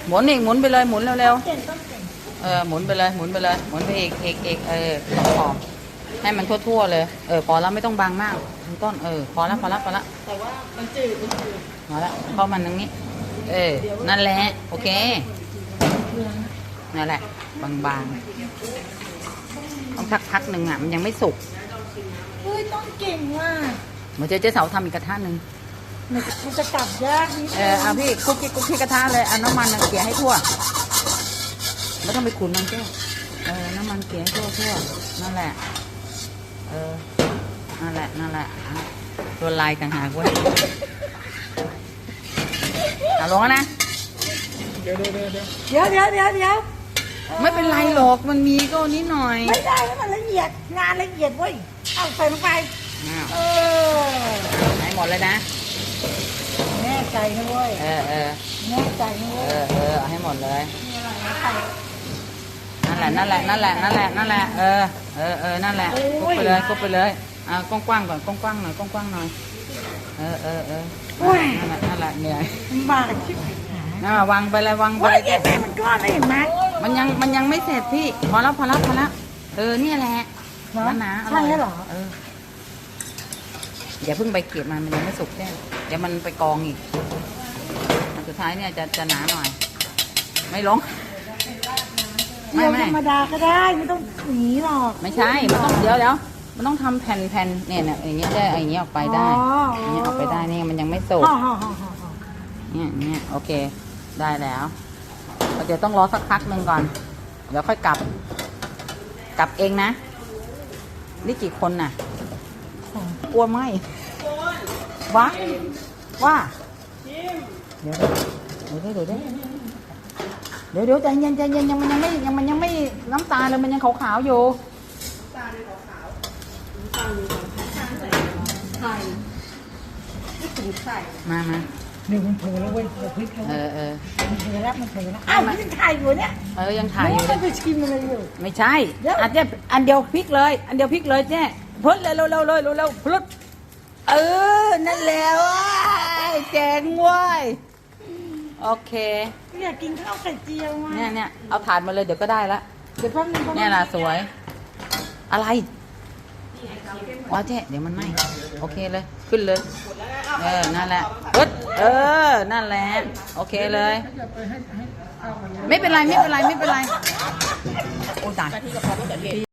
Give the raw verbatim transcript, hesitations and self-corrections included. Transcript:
หมุนอีกหมุนไปเลยหมุนเร็วๆเออหมุนไปเลยหมุนไปเลยหมุนไปอีกอีกอีกเออขอบให้มันทั่วๆเลยเออพอแล้วไม่ต้องบางมากทั้งต้นเออพอแล้วพอแล้วพอแล้วแต่ว่ามันจืดมันจืดพอแล้วเข้ามันตรงนี้เออนั่นแหละโอเคนั่นแหละบางๆต้องพักพักหนึ่งอ่ะมันยังไม่สุกเฮ้ยต้องเก่งว่ะเดี๋ยวเจ๊เจ๊เสาทำอีกกระทะหนึ่งมันจะกลับยากนิดเออเอาพี่คุกกี้คุกกี้กระทะเลยเอาน้ำมันเกลี่ยให้ทั่วไม่ต้องไปขุนมันเจ้เออน้ำมันเกลี่ยให้ทั่วทั่วนั่นแหละเออนั่นแหละนั่นแหละตัวลายต่างหากเว้ยเอาลงนะเดี๋ยวเดี๋ยวเดี๋ยวเดี๋ยวเดี๋ยวเดี๋ยวเดี๋ยวไม่เป็นไรหรอกมันมีก็นิดหน่อยไม่ได้ให้มันละเอียดงานละเอียดเว้ยเอาใส่ลงไปเออให้หมดเลยนะแน่ใจนะเว้ยเออเออแน่ใจนะเว้ยเออเออให้หมดเลยนั่นแหละนั่นแหละนั่นแหละนั่นแหละนั่นแหละเออเออเออนั่นแหละกุบไปเลยกุบไปเลยอ่ากว้างๆก่อนกว้างๆหน่อยกว้างๆหน่อยเออเออเออนั่นแหละนั่นแหละเหนื่อยบ้าชิบหายน่าวางไปเลยวางไปเลยแม่มันก้อนเลยเห็นไหมมันยังมันยังไม่เสร็จพี่พอแล้วพอแล้วพอแล้วเออเนี่ยแหละนั่นนะอร่อยเหรอเอออย่าเพิ่งไปเก็บมันมันยังไม่สุกแน่เดี๋ยวมันไปกองอีกอันสุดท้ายเนี่ยจะจะหนาหน่อยไม่ลงไม่ไม่ธรรมดาก็ได้ไม่ต้องหนีหรอกไม่ใช่มันต้องเดี๋ยวเดี๋ยวมันต้องทำแผ่นแผ่นเนี่ยเนี่ยอย่างเงี้ยได้อย่างเงี้ยออกไปได้อย่างเงี้ยออกไปได้นี่มันยังไม่สุกเนี่ยเนี่ยโอเคได้แล้วเดี๋ยวต้องรอสักพักหนึ่งก่อนเดี๋ยวค่อยกลับกลับเองนะนี่กี่คนน่ะกลัวไหมวะว่าเดี๋ยวเดี๋ยวเดี๋ยวเดี๋ยวเดี๋ยวเดี๋ยวใจเย็นใจเย็นยังมันยังไม่ยังมันยังไม่น้ำตาเลยมันยังขาวๆอยู่ตาเลยขาวๆน้ำตาเลยไข่ไม่ถึงไข่มามาหนึ่งมันเผลอแล้วเว้ยเดี๋ยวพลิกแล้วเออเออมันเผลอแล้วมันเผลอแล้วอ้าวมันยังถ่ายอยู่เนี่ยเออยังถ่ายอยู่เลยไปชิมอะไรอยู่ไม่ใช่อาจจะอันเดียวพลิกเลยอันเดียวพลิกเลยเจ๊พ้นเลยเร็วเร็วเลยเร็วเร็วพลุดเออนั่นแหละว้ายแจงว้ายโอเคอยากกินข้าวไข่เจียวอ่ะเนี่ยเนี่ยเอาถาดมาเลยเดี๋ยวก็ได้ละเดี๋ยวแป๊บนึงเนี่ยล่ะสวยอะไรว้าเจ๊เดี๋ยวมันไหมโอเคเลยขึ้นเลยเออนั่นแหละปึ๊ดเออนั่นแหละโอเคเลยไม่เป็นไรไม่เป็นไรไม่เป็นไรโอ้ตาย